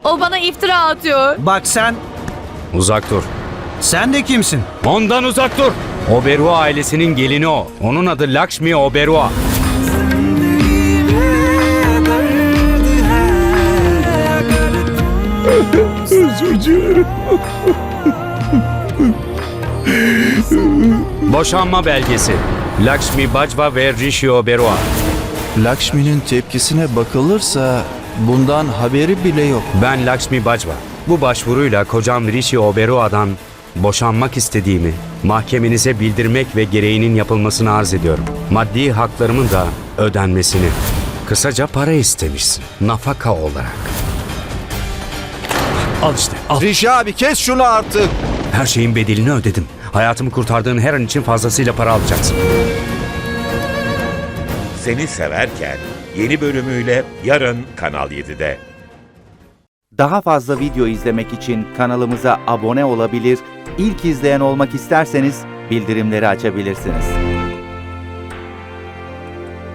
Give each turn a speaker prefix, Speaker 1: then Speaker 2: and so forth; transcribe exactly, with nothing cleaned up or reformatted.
Speaker 1: O bana iftira atıyor.
Speaker 2: Bak sen,
Speaker 3: Uzak dur.
Speaker 2: sen de kimsin?
Speaker 3: Ondan uzak dur. Oberoi ailesinin gelini o. Onun adı Lakshmi Oberoi.
Speaker 4: Özür dilerim.
Speaker 3: Boşanma belgesi. Lakshmi Bajwa ve Rishi Oberoi.
Speaker 4: Lakshmi'nin tepkisine bakılırsa bundan haberi bile yok.
Speaker 3: Ben Lakshmi Bajwa. Bu başvuruyla kocam Rishi Oberoi'dan boşanmak istediğimi mahkemenize bildirmek ve gereğinin yapılmasını arz ediyorum. Maddi haklarımın da ödenmesini. Kısaca para istemişsin. Nafaka olarak. Al işte, al.
Speaker 4: Rişi abi kes şunu artık.
Speaker 3: Her şeyin bedelini ödedim. Hayatımı kurtardığın her an için fazlasıyla para alacaksın.
Speaker 5: Seni Severken yeni bölümüyle yarın Kanal yedide.
Speaker 6: Daha fazla video izlemek için kanalımıza abone olabilir, ilk izleyen olmak isterseniz bildirimleri açabilirsiniz.